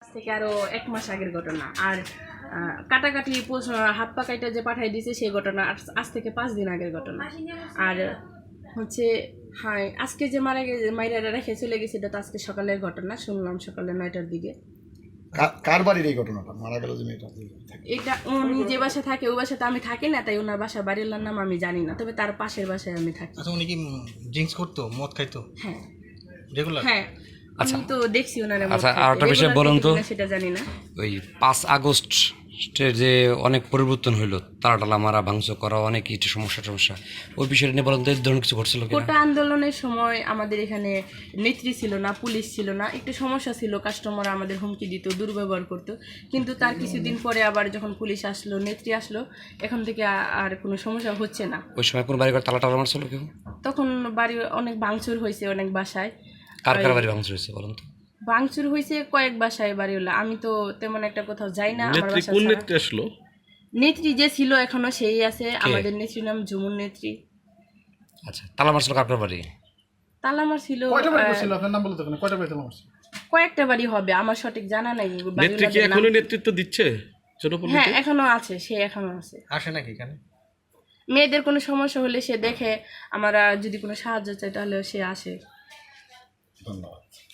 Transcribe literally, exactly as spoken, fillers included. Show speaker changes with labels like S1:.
S1: থেকে আরো এক মাস আগের ঘটনা। আর কাটাকাটি হাত পা কাটা যে পাঠাই দিয়েছে সেই ঘটনা আজ থেকে পাঁচ দিন আগের ঘটনা। আর হচ্ছে হ্যাঁ আজকে যে মারা গেছে মাইরা রেখে চলে গেছে এটা তো আজকে সকালের ঘটনা, শুনলাম সকালে নয়টার দিকে।
S2: কার বাড়ির এই ঘটনাটা? মারা গেল যে মেয়েটা,
S1: এটা উনি যে বাসায় থাকে ওই বাসাতে আমি থাকি না, তাই ওনার বাসা বাড়ির নাম আমি জানি না, তবে তার পাশের বাসায় আমি থাকি।
S3: আচ্ছা, উনি কি ড্রিঙ্কস করতো, মদ খাইতো?
S1: হ্যাঁ
S3: রেগুলার?
S1: হ্যাঁ
S4: আচ্ছা
S1: আমি তো দেখছি ওনারে।
S4: আচ্ছা আর একটা বিষয় বলুন তো,
S1: সেটা জানি না।
S4: ওই পাঁচ আগস্টের যে অনেক পরিবর্তন হইলো, তারাটালা মারা ভাঙচুর করা, অনেক কিছু সমস্যা সমস্যা ওই বিষয়টা নিয়ে বলুন তো, এই ধরনের কিছু ঘটছিল কিনা?
S1: কোটা আন্দোলনের সময় আমাদের এখানে নেত্রী ছিল না, পুলিশ ছিল না, একটু সমস্যা ছিল, কাস্টমার আমাদের হুমকি দিত, দুর্ব্যবহার করতো। কিন্তু তার কিছুদিন পরে আবার যখন পুলিশ আসলো, নেত্রী আসলো, এখন থেকে আর কোনো সমস্যা হচ্ছে না।
S4: ওই সময় কোন বাড়ি ঘর তালা টালা মারছিল কেউ?
S1: তখন বাড়ি অনেক ভাঙচুর হয়েছে, অনেক বাসায়।
S4: কার কার বাড়ি ভাঙচুর হয়েছে বলুন তো?
S1: ভাঙচুর হয়েছে কয়েক বাসায় বাড়ি হলো, আমি তো তেমন একটা কোথাও যাই না। আমার বাসা
S5: কোন নেত্রী আসলো?
S1: নেত্রী যে ছিল এখনো সেই আছে, আমাদের নেত্রীর নাম ঝুমুর নেত্রী।
S4: আচ্ছা, তালা মারছিল কার কার বাড়ি?
S1: তালা মারছিল
S2: কয়টা বাড়ি করছিল আপনার নাম বলতে? কয়টা বাড়ি তালা মারছিল?
S1: কয়েকটা বাড়ি হবে, আমার সঠিক জানা নাই।
S5: নেত্রী কি এখনো নেতৃত্ব দিচ্ছে জনপল্লীতে?
S1: হ্যাঁ এখনো আছে, সে এখনো আছে।
S3: আসে নাকি এখানে?
S1: মেয়েদের কোনো সমস্যা হলে সে দেখে, আমরা যদি কোনো সাহায্য চাই তাহলে সে আসে।
S2: ধন্যবাদ।